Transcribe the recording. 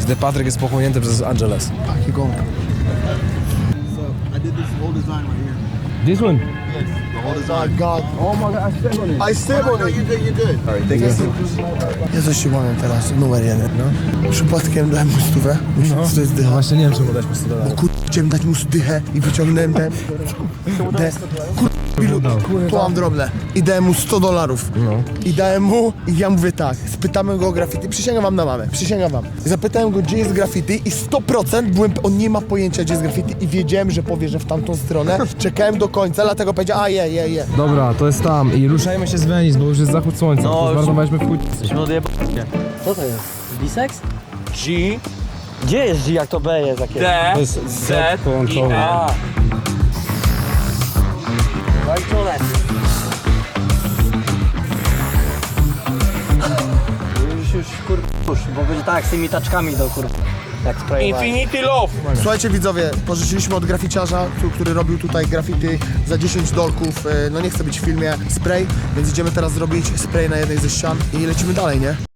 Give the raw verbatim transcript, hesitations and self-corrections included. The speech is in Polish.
gdy Patryk jest pochłonięty przez Angeles. Taki gąb. So I did this whole design right here. This one? Yes, the whole design. My God. Oh my god, I step on it. I step Oh, on no, it. you did, you did. Alright, thank you. Ja coś ci powiem teraz, numer jeden, no. Przypadkiem dałem mu stówę, myślałem, że to jest dycha. Właśnie nie wiem, czemu dać mu sto Bo dolarów. kur... chciałem dać mu dychę i wyciągnąłem ten... De... Kur... Bilu, tu mam drobne. I dałem mu sto dolarów. No. I dałem mu, i ja mówię tak, spytamy go o graffiti, przysięgam wam na mamę, przysięgam wam. Zapytałem go, gdzie jest graffiti i sto procent byłem, on nie ma pojęcia, gdzie jest graffiti i wiedziałem, że powie, że w tamtą stronę. Czekałem do końca, dlatego powiedział, a je, je, je. Dobra, to jest tam i ruszajmy się z Venice, bo już jest zachód słońca. No, No, już- zmarnowaliśmy w chuj. Jesteśmy odjeb... Co to jest? Bisex? G, Gdzie jest G, jak to B jest? Jakie? D, To jest Z Z, połączone. I, N. A. Zaliczone. Już, już, kur... już, bo będzie tak, z tymi taczkami do kur... Jak sprayowałem. Infinity Love. Słuchajcie widzowie, pożyczyliśmy od graficiarza, tu- który robił tutaj graffiti za dziesięć dolków, e, no nie chcę być w filmie, spray, więc idziemy teraz zrobić spray na jednej ze ścian i lecimy dalej, nie?